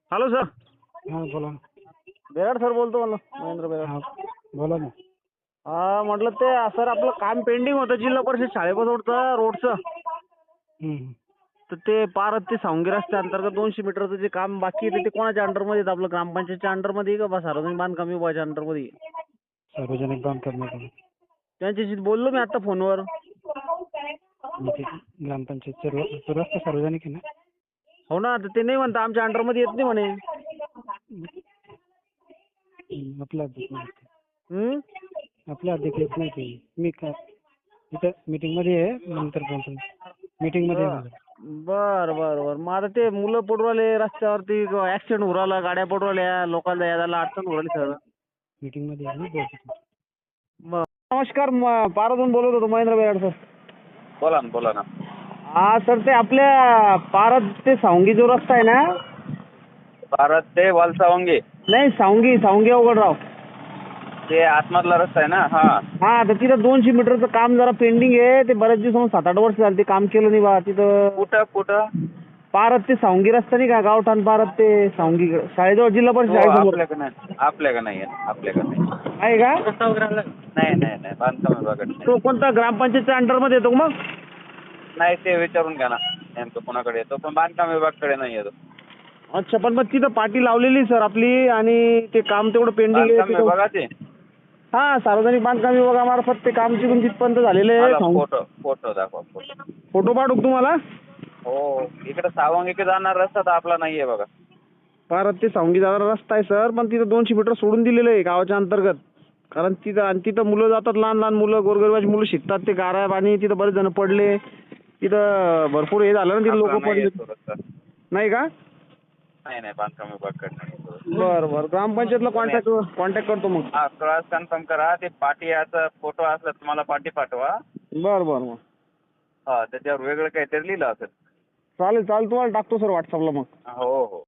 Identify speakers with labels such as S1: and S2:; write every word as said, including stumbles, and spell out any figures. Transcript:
S1: Hello sir.
S2: हां बोला ना.
S1: बेराड सर बोलतो मला, महेंद्र बेराड.
S2: हां बोला ना.
S1: हा म्हटलं ते सर आपलं काम पेंडिंग होतं जिल्हा परिषद शाळेपासूनचं रोडचं.
S2: हं, हं.
S1: तर ते पारत ते सावंगी रस्त्या अंतर्गत दोनशे मीटरचं जे काम बाकी आहे ते कोणाच्या अंडरमध्ये येतं? आपलं ग्रामपंचायतच्या अंडरमध्ये आहे का बा सार्वजनिक बांधकाम विभागाच्या अंडरमध्ये आहे?
S2: सार्वजनिक बांधकाम विभाग.
S1: त्यांच्याशी बोललो मी आता फोनवर.
S2: म्हणजे ग्रामपंचायतचा रो तो रस्ता सार्वजनिक आहे ना?
S1: हो ना, तर ते नाही म्हणता आमच्या अंडरमध्ये येत नाही म्हणे.
S2: हं, आपला अध्यक्ष नाही ते.
S1: हं?
S2: आपला अध्यक्ष येत नाही ते. मी का इथं मीटिंगमध्ये आहे, नंतर बोलतो. मीटिंगमध्ये आहे माझं.
S1: बर बर बर मग आता ते मुलं पडू राहिले रस्त्यावरती, ऍक्सिडेंट होऊ राहिला, गाड्या पडू राहिल्या, लोकांना यायला अडचण होऊ राहिली सर.
S2: मीटिंगमध्ये आहे, मी बोलतो.
S1: बर. नमस्कार, म- पारातून बोलत होतो, महेंद्र बेराड सर.
S3: बोला ना बोला ना.
S1: हा सर, ते आपल्या पारत ते सावंगी जो रस्ता आहे ना.
S3: भारत ते वालसावंगी
S1: नाही, सावंगी सावंगी अवघडराव.
S3: ते आतमधला रस्ता आहे ना? हा
S1: हा, तर तिथं दोनशे मीटरचं काम जरा पेंडिंग आहे. ते बऱ्याच दिवस सात आठ वर्ष झाली ते काम केलं नाही बा तिथं.
S3: कुठं कुठं
S1: पारत ते सावंगी रस्ता नाही का, गावठाण पारत ते सावंगी शाळेजवळ, जिल्हा परिषद
S3: तो
S1: शाळेसमोर
S3: आपल्याकडे नाही, आपल्याकडे नाही आहे, आपल्याकडे नाही.
S1: आहे का?
S3: नाही नाही नाही बांधकाम विभागात नाही.
S1: तो कोणता ग्रामपंचायतच्या अंडरमध्ये येतो का मग?
S3: नाही, ते विचारून घ्या ना नेमकं कोणाकडे येतो, पण बांधकाम विभागाकडे नाही येतो.
S1: अच्छा, पण मग तिथं पाटी लावलेली सर आपली, आणि ते काम तेवढं पेंडिंग आहे
S3: बांधकाम
S1: तिथं.
S3: विभागाचे
S1: हा, सार्वजनिक बांधकाम विभागामार्फत ते काम तिथून तिथपर्यंत झालेलं आहे.
S3: मला
S1: सावंगी-
S3: फोटो फोटो दाखवा फोटो.
S1: फोटो पाठवू का तुम्हाला?
S3: हो, इकडे सावंगीकडे जाणार रस्ता तर आपला नाही आहे बघा.
S1: पारत ते सावंगी जाणारा रस्ता आहे सर, पण तिथं दोनशे मीटर सोडून दिलेलं आहे गावाच्या अंतर्गत. कारण तिथं आणि तिथं मुलं जातात, लहान लहान मुलं, गोरगरिबाची मुलं शिकतात. ते गारा पाणी तिथं बरेच जण पडले. तिथं भरपूर हे झालं ना, तिथं
S3: आपला
S1: लोक
S3: नाही
S1: पडले.
S3: आहे तो रस्ता.
S1: नाही का?
S3: नाही नाही बांधकाम विभागाकडे नाही येतो.
S1: बरं बरं, ग्रामपंचायतला कॉन्टॅक्ट कॉन्टॅक्ट करतो मग.
S3: हा, क्रॉस कन्फर्म करा. ते पाटी याचा फोटो असला तुम्हाला पाटी पाठवा.
S1: बरं बरं मग
S3: हा, त्याच्यावर वेगळं काहीतरी लिहिलं असेल.
S1: चालेल चालेल, तुम्हाला टाकतो सर व्हॉट्सअपला मग.
S3: हो हो.